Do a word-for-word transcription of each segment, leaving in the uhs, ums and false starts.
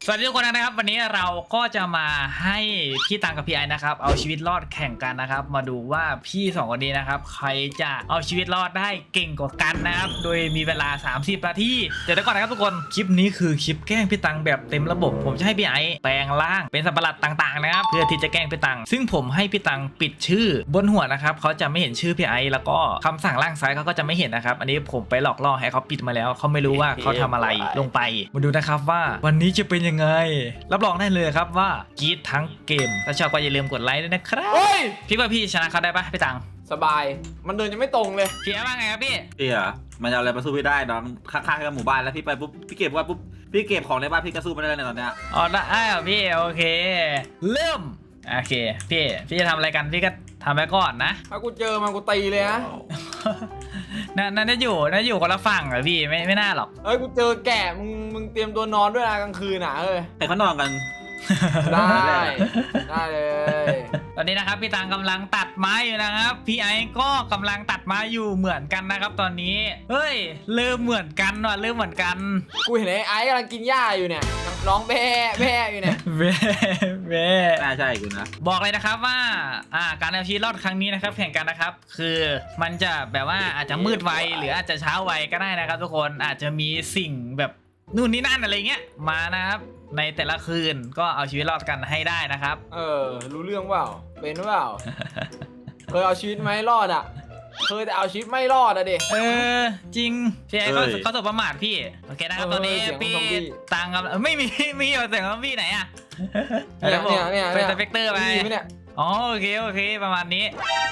สวัสดีทุกคนนะครับวันนี้เราก็จะมาให้พี่ตังกับพี่ไอนะครับเอาชีวิตรอดแข่งกันนะครับมาดูว่าพี่สองคนนี้นะครับใครจะเอาชีวิตรอดได้เก่งกว่ากันนะครับโดยมีเวลาสามสิบนาทีเดี๋ยวก่อนนะครับทุกคนคลิปนี้คือคลิปแกล้งพี่ตังแบบเต็มระบบผมจะให้พี่ไอแปลงร่างเป็นสัตว์ประหลาดต่างๆนะครับเพื่อที่จะแกล้งพี่ตังซึ่งผมให้พี่ตังปิดชื่อบนหัวนะครับเขาจะไม่เห็นชื่อพี่ไอแล้วก็คำสั่งล่างซ้ายเขาก็จะไม่เห็นนะครับอันนี้ผมไปหลอกล่อให้เขาปิดมาแล้วเขาไม่รู้ว่าเขาทำอะไรลงไปมาดูนะครับว่าวันนี้จะเป็นยังไงรับรองได้เลยครับว่ากรี๊ดทั้งเกมถ้าชอบก็อย่าลืมกดไลค์ด้วยนะครับพี่ว่าพี่ชนะเขาได้ปะพี่ตังสบายมันเดินยังไม่ตรงเลยพี่ว่าไงครับพี่พี่อะมันจะอะไรมาสู้พี่ได้น้องข้างๆกับหมู่บ้านแล้วพี่ไปปุ๊บพี่เก็บว่าปุ๊บพี่เก็บของในบ้านพี่ก็สู้ไม่ได้เลยตอนเนี้ยอ๋อได้พี่โอเคเริ่มโอเคพี่พี่จะทำอะไรกันพี่ก็ทำไปก่อนนะถ้ากูเจอมันกูตีเลยนะนั่นนั่นจะอยู่นั่นอยู่คนละฝั่งเหรอพี่ไม่ไม่น่าหรอกเอ้ยกูเจอแก่มึงมึงเตรียมตัวนอนด้วยนะกลางคืนอ่ะเอ้ยแต่เขานอนกันได้ได้เลยตอนนี้นะครับพี่ตังกำลังตัดไม้อยู่นะครับพี่ไอ้ก็กำลังตัดไม้อยู่เหมือนกันนะครับตอนนี้เฮ้ยเริ่มเหมือนกันว่ะเริ่มเหมือนกันกูเห็นไอ้ไอ้กำลังกินหญ้าอยู่เนี่ยร้องแบ่แบ่อยู่เนี่ยแบ่แบ่น่าใช่กูนะบอกเลยนะครับว่าอ่าการเอาชีวิตรอดครั้งนี้นะครับแข่งกันนะครับคือมันจะแบบว่าอาจจะมืดไวหรืออาจจะเช้าไวก็ได้นะครับทุกคนอาจจะมีสิ่งแบบนู่นนี่นั่นอะไรเงี้ยมานะครับในแต่ละคืนก็เอาชีวิตรอดกันให้ได้นะครับเออรู้เรื่องเปล่าเป็นเปล่าเคยเอาชีวิตไม่รอดอ่ะเคยแต่เอาชีวิตไม่รอดอะเด็กเออจริงพี่ไอ้เขาเขาตกประมาทพี่โอเคนะครับตอนนี้พี่ตังกับไม่มีมีเสียงของพี่ไหนอะเนี่ยเนี่ยเนี่ยเป็นสเปกเตอร์ไปเนี่ยอ๋อโอเคโอเคประมาณนี้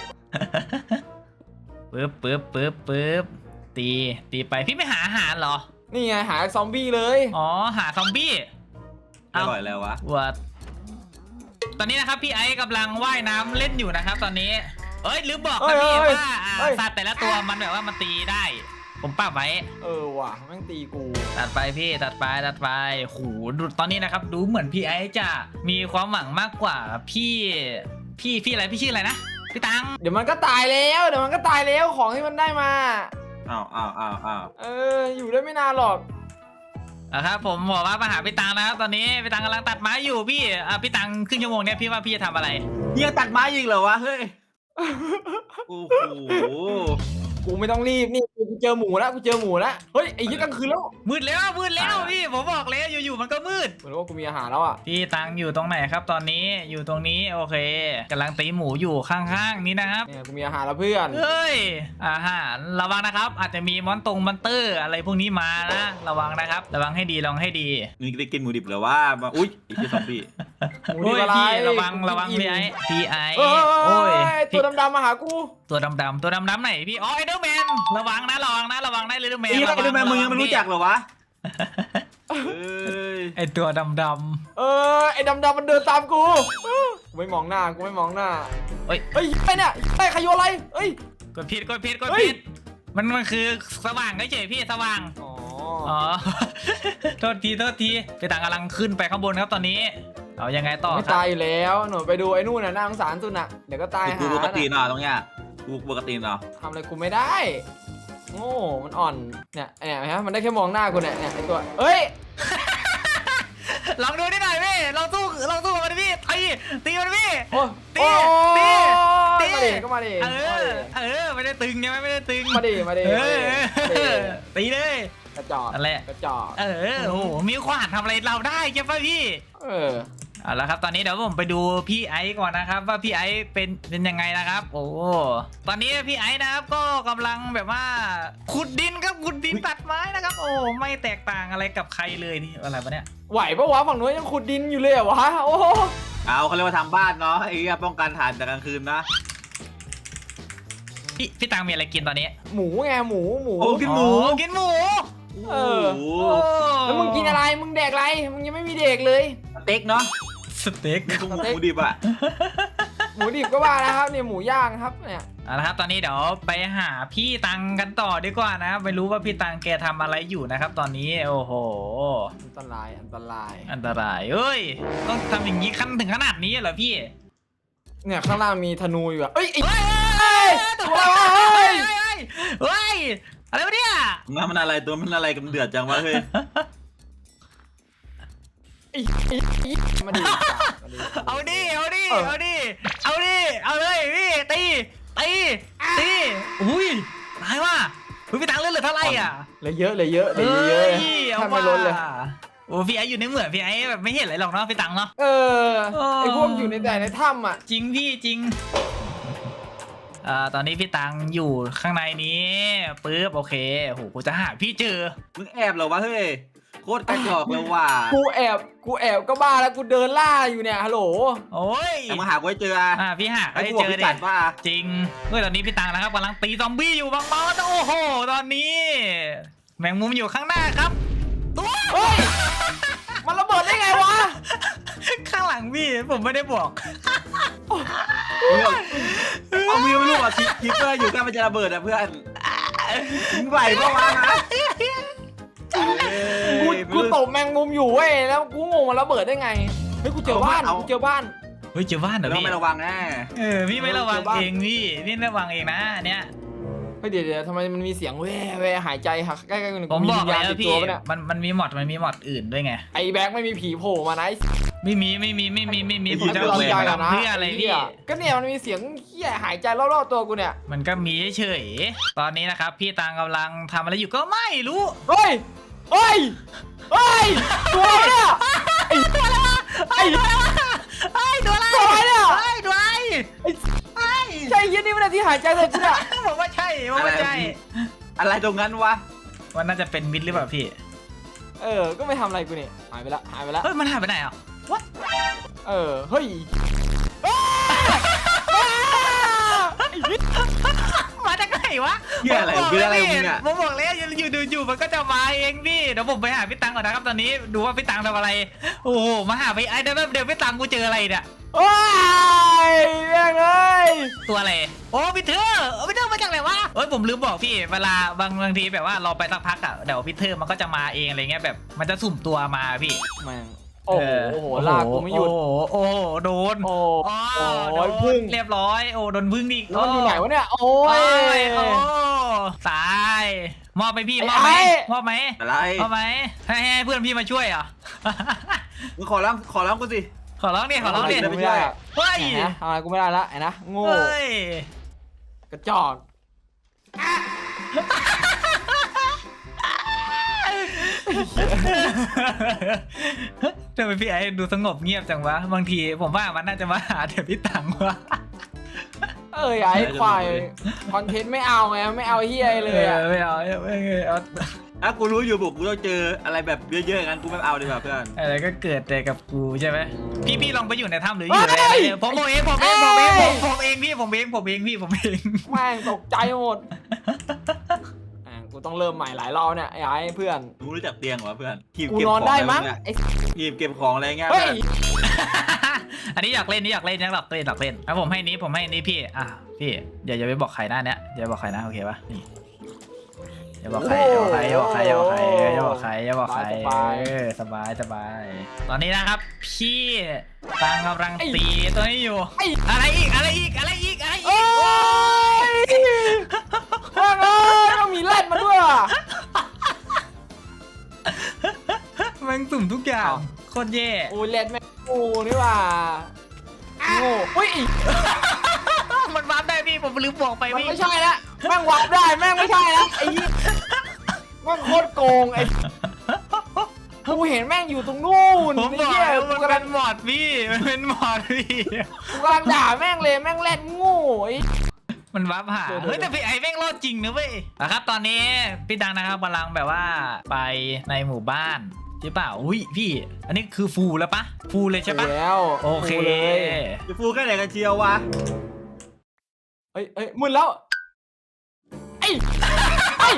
ปึ๊บปึ๊บปึ๊บปึ๊บตีตีไปพี่ไม่หาอาหารเหรอนี่ไงหาซอมบี้เลยอ๋อหาซอมบี้อร่อยแล้ววะวัดตอนนี้นะครับพี่ไอ้กำลังว่ายน้ำเล่นอยู่นะครับตอนนี้เอ้ยลืมบอกนะพี่ว่าสัตว์แต่ละตัวมันแบบว่ามันตีได้ผมป้าไว้เออว่ะแม่งตีกูตัดไปพี่ตัดไปตัดไปโหตอนนี้นะครับดูเหมือนพี่ไอ้จะมีความหวังมากกว่าพี่พี่พี่อะไรพี่ชื่ออะไรนะพี่ตังเดี๋ยวมันก็ตายแล้วเดี๋ยวมันก็ตายแล้วของที่มันได้มาอ้าวอ้าวอ้าวอ้าวเอออยู่ได้ไม่นานหรอกนะครับผมบอกว่ามาหาพี่ตังนะครับตอนนี้พี่ตังกำลังตัดไม้อยู่พี่อ่ะพี่ตังครึ่งชั่วโมงเนี้ยพี่ว่าพี่จะทำอะไรยังตัดไม้ยิงเหรอวะเฮ้ยโอ้โหกูไม่ต้องรีบนี่กูเจอหมูแล้วกูเจอหมูแล้วเฮ้ยไอ้ยี่กลางคืนแล้วมืดแล้วมืดแล้วพี่ผมบอกแล้วอยู่ๆมันก็มืดเหมือนว่ากูมีอาหารแล้วอ่ะพี่ตังอยู่ตรงไหนครับตอนนี้อยู่ตรงนี้โอเคกำลังตีหมูอยู่ข้างๆนี้นะครับเนี่ยกูมีอาหารแล้วเพื่อนเฮ้ยอาหารระวังนะครับอาจจะมีมอนตรงมอนเตอร์อะไรพวกนี้มานะระวังนะครับระวังให้ดีลองให้ดีนี่ได้กินหมูดิบหรือว่าอุ้ยไอ้ที่ซอมบี้โอ้ยพี่ระวังระวังพี่ไอพี่ไอโอ้ยตัวดำๆมาหากูตัวดำๆตัวดำๆไหนพี่อ๋อไอเดอร์แมนระวังนะระวังนะระวังได้เลยเดอร์แมนไอเดอร์แมนมึงยังไม่รู้จักเหรอวะไอตัวดำๆเออไอดำๆมันเดินตามกูกูไม่มองหน้ากูไม่มองหน้าเฮ้ยเฮ้ยไอเนี่ยไอขยโยอะไรเฮ้ยกดผิดกดผิดกดผิดมันมันคือสว่างเฉยพี่สว่างอ๋ออ๋อโทษทีโทษทีพี่ต่างกำลังขึ้นไปข้างบนครับตอนนี้เอายังไงต่อไม่ตายอยู่แล้วหนูไปดูไอ้นู่นน่ะน่าสงสารสุดน่ะเดี๋ยวก็ตายหากูปกติเนาะตรงเนี้ยกูปกติเนาะทำอะไรกูไม่ได้โง่มันอ่อนเนี่ยเนี่ยฮะมันได้แค่มองหน้ากูเนี่ยเนี่ยไอ้ตัวเอ้ยลองดูนิดหน่อยพี่ลองสู้ลองสู้มันดิพี่ตีตีมันพี่ตีตีตีมาดิก็มาดิเออเออไม่ได้ตึงใช่ไหมไม่ได้ตึงมาดิมาดิตีเลยกระจอกอะไรกระจอกเออโอ้โหมีขวานทำอะไรเราได้ใช่ป่ะพี่เออเอาละครับตอนนี้เดี๋ยวผมไปดูพี่ไอซ์ก่อนนะครับว่าพี่ไอซ์เป็นเป็นยังไงนะครับโอ้ตอนนี้พี่ไอซ์นะครับก็กำลังแบบว่าขุดดินครับขุดดินตัดไม้นะครับโอ้ไม่แตกต่างอะไรกับใครเลยนี่อะไรวะเนี่ยไหวปะวะฝั่งนู้นยังขุดดินอยู่เลยเหรอวะโอ้เอาเขาเรียกว่าทำบ้านเนาะไอ้เงี้ยป้องกันฐานจากกลางคืนนะพี่พี่ตังมีอะไรกินตอนนี้หมูไงหมูหมูกินหมูกินหมูเออแล้วมึงกินอะไรมึงแดกอะไรมึงยังไม่มีเด็กเลยสเต็กเนาะสเต็กหมูดิบอะหมูดิบก็ว่านะครับเนี่ยหมูย่างครับเนี่ยเอาละครับตอนนี้เดี๋ยวไปหาพี่ตังกันต่อดีกว่านะไม่รู้ว่าพี่ตังแกทำอะไรอยู่นะครับตอนนี้โอ้โหอันตรายอันตรายอันตรายเอ้ยต้องทำอย่างนี้ขั้นถึงขนาดนี้เหรอพี่เนี่ยข้างล่างมีธนูอยู่อะเอ้ยเฮ้ยเฮ้ยเฮ้ยอะไรวะเนี่ยมันอะไรตัวมันอะไรกันเดือดจังวะเฮ้ยไไอ้ไอ้ไอ้มาดิมาดิเอาดิเอาดิเออเอาดิเอาดิเอาเลยพี่ตีตีตีอุ้ยตายว่ะพี่ตังเลือดเหลือเท่าไหร่อ่ะเลยเยอะเลยเยอะเลยเยอะเอ้ยเอาถ้าไม่ว่าล้นเลยโอ้พี่ไออยู่ในเหมืองพี่ไอแบบไม่เห็นอะไรหรอกเนาะพี่ตังเนาะเออเออไอพวกอยู่ในแต่ในถ้ำอ่ะจริงพี่จริงอ่าตอนนี้พี่ตังอยู่ข้างในนี้ปึ๊บโอเคโหกูจะหาพี่เจอมึงแอบเหรอวะเฮ้ยโคตรกระจอกเลยว่ะกูแอบกูแอบก็บ้าแล้วกูเดินล่าอยู่เนี่ยฮัลโหลโอ้ยแต่มึงหากูให้เจออ่าพี่หาไอ้ได้พวกเจอพี่เด็จัดป่ะจริงเฮ้ยตอนนี้พี่ตังนะครับกำลังตีซอมบี้อยู่บางบอสโอ้โหตอนนี้ แมงมุมอยู่ข้างหน้าครับตัวเฮ้ยมันระเบิดได้ไงวะข้างหลังพี่ผมไม่ได้บอกเอามือไม่รู้อ่ะคิปเปอร์อยู่ใกล้มันจะระเบิดอ่ะเพื่อนมึงไหวปะวะนะกูกูตบแมงมุมอยู่เว้ยแล้วกูงงมันระเบิดได้ไงเฮ้ยกูเจอบ้านกูเจอบ้านเฮ้ยเจอบ้านเหรอเราพี่ไม่ระวังแน่เออพี่ไม่ระวังเจอบ้านเองพี่พี่ระวังเองนะอันเนี้ยเฮ้ยเดี๋ยวเดี๋ยวทำไมมันมีเสียงแว่แว่หายใจหักใกล้ๆกันผมบอกวิญญาณแล้วติดพี่ตัวปะเนี่ยมันมันมีมอดมันมีมอดอื่นด้วยไงไอ้แบ็คไม่มีผีโผล่มานะไอ้ไม่มีไม่มีไม่มีไม่มีไอ้ผมจะกูเอาลำเวใจรก่อนนะเพื่ออะไรพี่เหี้ยก็เนี่ยมันมีเสียงเหี้ยหายใจรอบๆตัวกูเนี่ยมันก็มีเฉยๆตอนนี้นะครับ พี่ตังกำลังทำอะไรอยู่ก็ไม่รู้เฮ้ยเฮ้ยเฮ้ยตัวอะไรเนี่ยไอ้ไอ้ไอ้ตัวอะไรตัวอะไรเนี่ยไอ้ตัวอะไรไอ้ไอ้ใช่ยี่นี่มันที่หายใจเลยกูเนี่ยผมว่าใช่ผมว่าใช่อะไรตรงนั้นวะมันน่าจะเป็นมิดหรือเปล่าพี่เออก็ไม่ทำอะไรกูนี่หายไปละหายไปละเฮ้ยมันหายไปไหนอ่ะ What เออเฮ้ยมาจากไหนวะเหี้ยอะไรผมบกคืออะไรแล้วมึงเนี่ยผมบอกแล้วอยู่อยู่ดูอยู่มันก็จะมาเองพี่เดี๋ยวผมไปหาพี่ตังก่อนนะครับตอนนี้ดูว่าพี่ตังทำอะไรโอ้โหมาหาพี่ไอ้เดี๋ยวเดี๋ยวพี่ตังกูเจออะไรเนี่ยว้ายแม่งเลยตัวอะไรโอ้พี่เธอพี่เธอมาจากไหนวะเอ้ยผมลืมบอกพี่เวลาบางบางทีแบบว่าเราไปสักพักอ่ะเดี๋ยวพี่เธอมันก็จะมาเองอะไรเงี้ยแบบมันจะสุ่มตัวมาพี่แม่งโอ้โหโอ้โหลากกูไม่หยุดโอ้โหโอ้โหโดนโอ้อ๋อโอ้โดยนพึ่งเรียบร้อยโอ้โดนพึ่งอีกแล้วมันอยู่ไหนวะเนี่ยโอ้โอ้ยยโอ้ตายมอบไปพี่มอบไหมไอ้มอบไหมอะไรมอบไหมให้ให้เพื่อนพี่มาช่วยเหรอมึงขอร้องขอร้องกูสิขอร้องดิขอร้องดิไม่ไม่ได้ได้อะเฮ้ยไหนนะทำอะไรกูไม่ได้ละไอ้นะโง่เฮ้ยกระจอกทำไมพี่ไอ้ดูสงบเงียบจังวะบางทีผมว่ามันน่าจะมาหาแต่พี่ตังวะเอ้ยไอ้ควายคอนเทนต์ไม่เอาไงไม่เอาเฮียเลยอะไม่เอาไม่เอาถ้ากูรู้อยู่บุกกูต้องเจออะไรแบบเยอะๆงั้นกูไม่เอาดีกว่าเพื่อนอะไรก็เกิดแต่กับกูใช่ไหมพี่พี่ลองไปอยู่ในถ้ำหรืออยู่ในอะไรเนี่ยผมผมเองผมเองผมเองผมผมเองพี่ผมเองผมเองพี่ผมเองแม่งตกใจหมดแม่งกูต้องเริ่มใหม่หลายรอบเนี่ยไอ้ไอ้เพื่อนมึงรู้จักเตียงเหรอเพื่อนหีบกูเก็บนขออน งได้อะไรมั้งเนี่ยไอ้หีบเก็บของอะไรเงี้ยเฮ้ยอันนี้อยากเล่นนี่อยากเล่นอยากเล่นอยากเล่นอ่ะผมให้นี้ผมให้นี้พี่อ่ะพี่อย่าอย่าไปบอกใครนะเนี่ยอย่าบอกใครนะโอเคปะนี่อย่าบอกใครอย่าบอกใครอย่าบอกใครอย่าบอกใครอย่าบอกใครอย่าบอกใครเออสบายสบายตอนนี้นะครับพี่ตังกำลังตีตัวนี้อยู่ไอ้อะไรอีกอะไรอีกอะไรอีกอะไรอีโอ้กยแม่งเอ้ยต้องมีแรดมาด้วยอ่ะแมันสุ่มทุกอย่างโคตรแย่โอ้ยแรดแม่งโง่นี่ว่าโง่เฮ้ยมันวาร์ปได้พี่ผมลืมบอกไปมันพี่ไม่ใช่ละแม่งวับได้แม่งไม่ใช่ละไอ้ยี่แม่งโคตรโกงไอ้กูเห็นแม่งอยู่ตรงนู่นผมบไอ้อกเหี้ยแล้วกูมันกำเป็ลังนหมอดพี่มันเป็นหมอดพี่กูกำลังด่าแม่งเลยแม่งแรดโง่ไอ้มันวาร์ปหาเดี๋ยวเฮ้ยแต่พี่ไอ้แม่งรอดจริงนะเว้ยนะครับตอนนี้พี่ดังนะครับกำลังแบบว่าไปในหมู่บ้านใช่เปล่าอุ้ยพี่ อันนี้คือฟูลแล้วปะฟูลเลยใช่ปะแล้วโอเคกูเลยจะฟูแค่ไหนกันเชียววะเอ้ยเอ้ยมึนแล้วไอ้ไอ้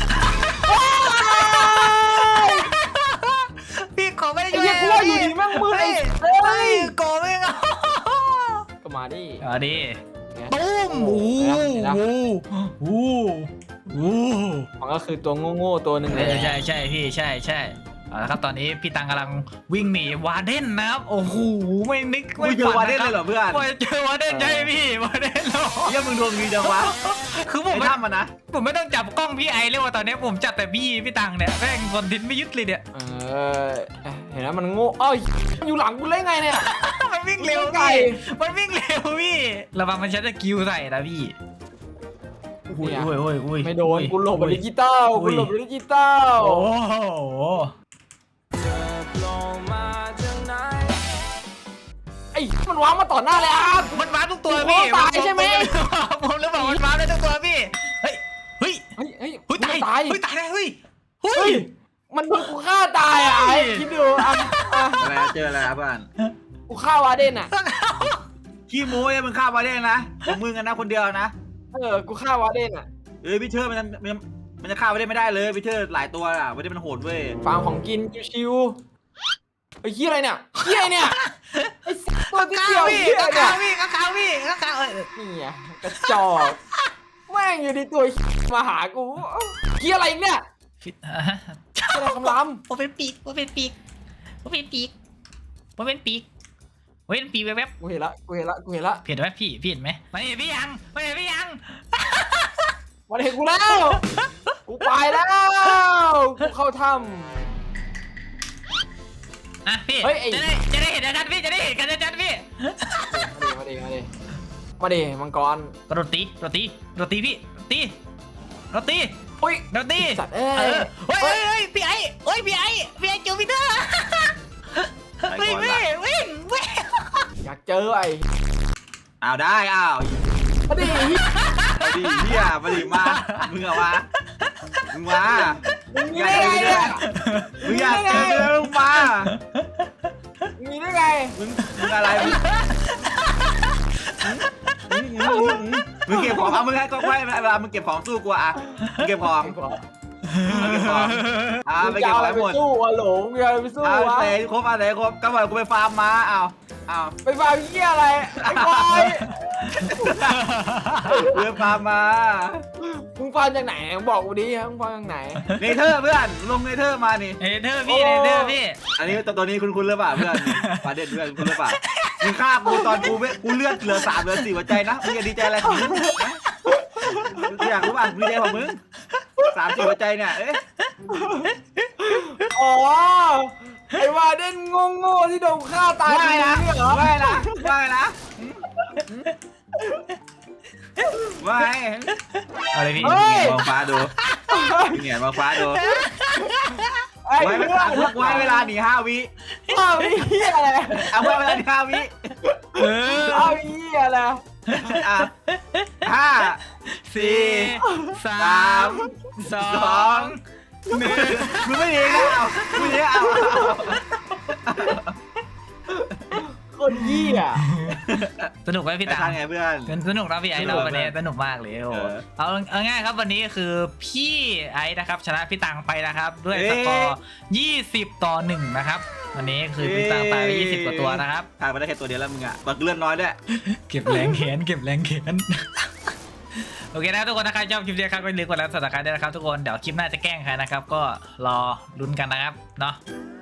พี่ขอไม่ได้ไอ้ช่วยเหี้ยกูว่าอยู่ดีแม่งมืดไอ้เฮ้เฮ้ยยโกไม่เอาก็มาดิเอาดิไงตุ้มโอ้เห็นโหปะโอ้โหมันก็คือตัวโง่ๆตัวหนึ่งเอเลยอใช่ใช่พี่ใช่ใช่เอาละครับตอนนี้พี่ตังกำลังวิ่งหนีวาเดนนะครับโอ้โหไม่นึกมึไม่งเจอวาเดนเลยเหรอเพื่อนว่าจะเจอวาเดนใช่พี่วาเดนเหรอเหี้ยังมึงดวงดีจังวะคือผมไอ้ไม่ถ้ำมันนะผมไม่ต้องจับกล้องพี่ไอเลยว่าตอนนี้ผมจับแต่พี่พี่ตังเนี่ยแม่งคอนเทนต์ไม่ยึดเลยเนี่ยเออเห็นไหมมันโง่เอ้ยมันอยู่หลังกูเล่นไงเนี่ยมันวิ่งเร็วไก่พี่มันวิ่งเร็วพี่ระวังมันใช้สกิลใส่นะพี่อุ้ยเนี่ยอุ้ยอุ้ยอุ้ยไม่โดนกูหลบอุ้ยดิจิตอลอุ้กูยหลบดิจิตอลโอ้โหไอ้มันวางมาต่อหน้าเลยอ่ะมันว้าทุกตัวพี่โอ้ตายใช่ไหมผมเลยบอกมันว้าได้ทุกตัวพี่เฮ้ยเฮ้ยเฮ้ยเฮ้ยเฮ้ยตายมันตายเฮ้ยตายแล้วเฮ้ยเฮ้เฮ้ยยมันโดนกูฆ่าตายอ่ะไอ้คิดดูอ่ะอ่ะอะไรเจออะไรครับเพื่อนกูฆ่าวาเดนอ่ะขี้โม้ยมึงฆ่ามาได้นะของมึงกันนะคนเดียวนะเออกูฆ่าวาเดนอ่ะเอ้ยพี่เชิดมันมันมันจะฆ่าไม่ได้ไม่ได้เลยพี่เชิดหลายตัวอ่ะไม่ได้มันโหดเว้ยฟาร์มของกินชิวๆไอ้เหี้ยอะไรเนี่ยเหี้ยเนี่ยไอ้สัตว์ตัวที่ข้าเดียวพี่เหี้ยข้าเนี่ยพี่ข้าพี่ข้าเอ้ยนี่ไงกระจอกแม่งอยู่ในตัวมาหากูเหี้ยอะไรอีกเนี่ยฟิตอะไรคำรามผมเป็นปีกผมเป็นปีกผมเป็นปีกผมเป็นปีกผมเป็นปีกแวบกูเห็นละกูเห็นละกูเห็นละๆเห็นไหมพี่พี่เห็นไหมไม่เห็นพี่ยังไม่เห็นพี่ยังมันเห็นกูแล้วกูไปแล้วกูเข้าถ้อ่ะพี่เฮ้ยไอ้จะได้จะได้เห็นชัดๆพี่จะได้เห็นกันชัดๆพี่ำมาดิมาดิมาดิมังกรกระโดดตีโรตีโรตีพี่ตีโรตีอุ้ยโรตีสัตว์เอ้เอย อเฮ้ยเฮ้ยพี่ไอ้เฮ้ยพี่ไอ้พี่ไอ้จูปิเตอร์ไปวิ่งก่อนวิ่ละงวิ่งวิ่งอยากเจอไอ้อ้าวได้อ้าวมาดิมาดิเฮียมาดิมามึงเอามามึงมามึงมีอยากได้เจไงอเนี่ยมึงอยากเจอเรื่องมึงมามึงมีได้ไงมึงมึงอะไรมึงมึงมึงมึงมึงเก็บของเอามึงให้ก็ไว้เวลามึงเก็บของสู้กูอ่ะมึงเก็บของมึงเก็บของอ่าไปเก็บของให้หมดสู้อะหลงอย่าไปสู้เอาวะเสร็จครบอะไรครบก็บอกกูไปฟาร์มมาเอาเอาไปฟาร์มเหี้ยอะไรไอ้ควายกูไปฟาร์มมามึงฟาร์มจากไหนมึงบอกกูดิมึงฟาร์มจากไหนเนเธอร์เพื่อนลงเนเธอร์มานี่เนเธอร์พี่เนเธอร์พี่อันนี้ตัวตัวนี้คุณคุณหรือเปล่าเพื่อนฟาเด็ดเพื่อนคุณหรือเปล่ามึงฆ่ากูตอนกูเวกูเลือดเหลือสามเหลือสี่หัวใจนะมึงจะดีใจอะไรของมึงอยากรู้ป่ะมึงดีใจของมึงสามสี่หัวใจเนี่ยเอ๊ะอ๋อไอ้วาเด่นโง่ๆที่โดนฆ่าตายว่าไงนะเนี่ยเหรอว่าไงนะว่าไงนะว่าไงเอาเลยพี่มึงเหงียนมองฟ้าดูมึงเหงียนมองฟ้าดูไอ้ไว้เวเพื่อลาน ทุกไว้เวลาหนีห้าวิเอาไอ้เหี้ยอะไรเอาไว้เวลาหนีห้าวิเออเอาไอ้เหี้ยอะไรอ่ะห้าสี่สาม สอสองงหนึ่งมึงไม่ดีนะเอามึงไม่ดีเอาคนเหี้ยสนุกไหมพี่แต่ตาทางไงเพื่อนสนุกนะพี่ไอ้เราวันนี้สนุกมากเลยโอ้โหเออเอาเอาง่ายครับวันนี้คือพี่ไอ้นะครับชนะพี่ตังไปนะครับด้วยเอ๊ะสกอร์ยี่สิบต่อหนึ่งนะครับวันนี้คือพี่ตังตายไปยี่สิบกว่าตัวนะครับทางไปได้แค่ตัวเดียวแล้วมึงอ่ะบักเลื่อนน้อยด้วยเก็บแรงแขนเก็บแรงแขน โอเคนะทุกคนนะครับชอบคลิปนี้ครับก็อย่าลืมกดไลค์กดซับสไครต์ด้วยนะครับทุกคนเดี๋ยวคลิปหน้าจะแกล้งใครนะครับก็รอลุ้นกันนะครับเนาะ